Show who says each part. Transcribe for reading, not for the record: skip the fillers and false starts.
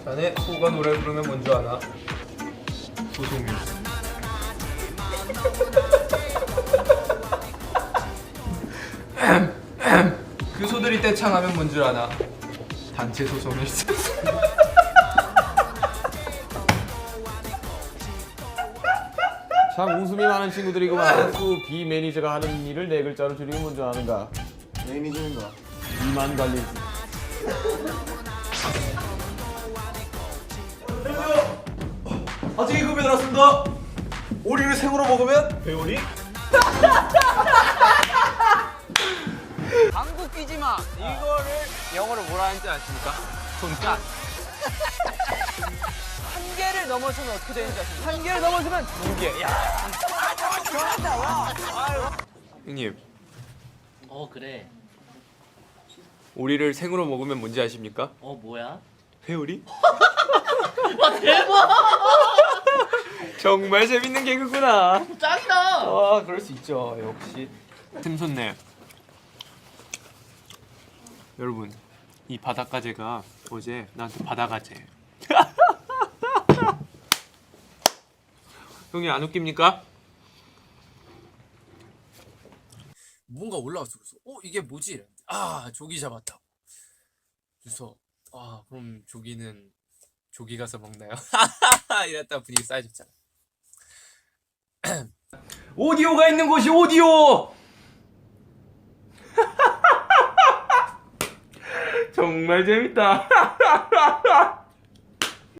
Speaker 1: 자네 소가 노래 부르면 뭔 줄 아나? 소송이. 그 소들이 떼창하면 뭔 줄 아나? 단체 소송일 수.
Speaker 2: 참 웃음이 많은 친구들이구만. 수 B 매니저가 하는 일을 네 글자로 줄이면 뭔 줄 아는가?
Speaker 3: 매니저인가?
Speaker 2: 비만 관리지.
Speaker 3: 아직 급여 들었습니다. 오리를 생으로 먹으면 배오리?
Speaker 1: 방구 끼지 마. 이거를 영어로 뭐라 하는지 아십니까? 손가. 한 개를 넘어서면 어떻게 되는지 아십니까? 한 개를 넘어서면 두 개. 야. 좋았다. 와. 형님,
Speaker 4: 그래.
Speaker 1: 오리를 생으로 먹으면 뭔지 아십니까?
Speaker 4: 뭐야?
Speaker 1: 회오리?
Speaker 4: 와, 대박!
Speaker 1: 정말 재밌는 개그구나.
Speaker 4: 짱이다!
Speaker 1: 그럴 수 있죠. 역시. 샘솟네. 여러분, 이 바닷가재가 어제 나한테 바다가재. 형이 안 웃깁니까? 뭔가 올라왔어. 그래서 이게 뭐지? 이랬는데, 조기 잡았다고. 그래서 그럼 조기는 조기 가서 먹나요? 이랬다 분위기 쌓여졌잖아. 오디오가 있는 곳이 오디오. 정말 재밌다.